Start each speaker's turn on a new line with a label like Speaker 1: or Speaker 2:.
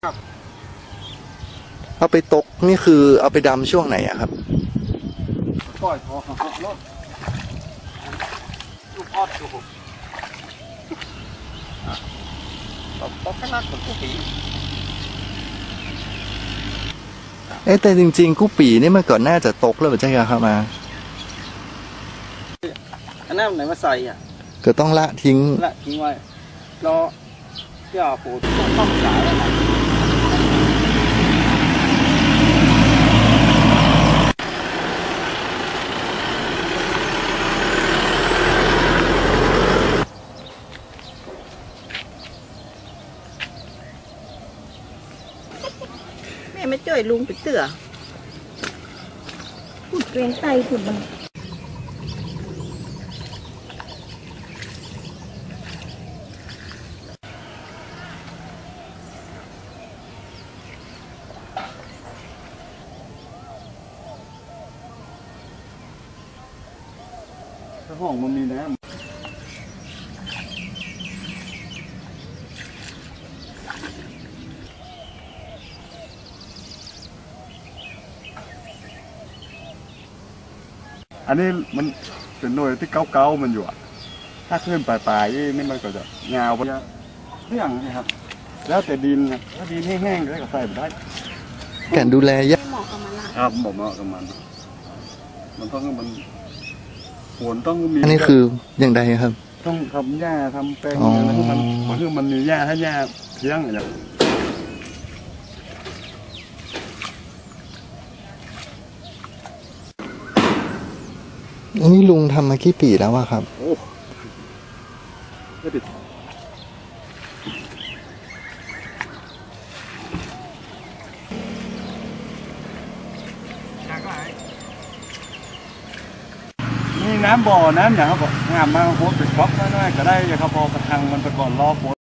Speaker 1: ครับ
Speaker 2: เอาไปตกนี่คือเอาไปดำช่วงไหนอะครับ
Speaker 1: ก้อยทอรถลูกออดอยู่ตกขนาดของผู้ผี
Speaker 2: แต่จริงๆกู้ปีนี่มันก่อนน่าจะตกแล้วใช่ไหมครับมา
Speaker 1: อันนั้นไหนมาใส่อ่ะ
Speaker 2: ก็ต้องละทิ้ง
Speaker 1: ไว้รอเจ้าปู่ต้องจ่ายแล้วนะ
Speaker 3: แม่ไม่จ่อยลุงไปเตือพูดเกรงใจพูดมัน
Speaker 1: ถ้าห้องมันมีน้ำอันนี้มันเป็นหน่วยที่เก่าๆมันอยู่อะถ้าขึ้นปลายๆนี่มันก็จะยาวไปเรื่องนะครับแล้วแต่ดินนะถ้าดินแห้งๆก็ใส่ไปได้
Speaker 2: การดูแลยาก
Speaker 3: เหมาะกับมันละ
Speaker 1: ครับเหมาะกับมันต้องมันฝนต้องมี
Speaker 2: อันนี้คืออย่างใดครับ
Speaker 1: ต้องทำหญ้าทำแปลงอะไรพวกมันคือมันมีหญ้าถ้าหญ้าเพียงอะไร
Speaker 2: อันนี้ลุงทำมากี่ปีแล้วอะครับ
Speaker 1: โอ้ไม่ติดนี่น้ำบ่อน้ำอย่างครับงามมากโคตรเป็นก๊อกน้อยๆก็ได้ครับพอประทังมันไปก่อนรอฝน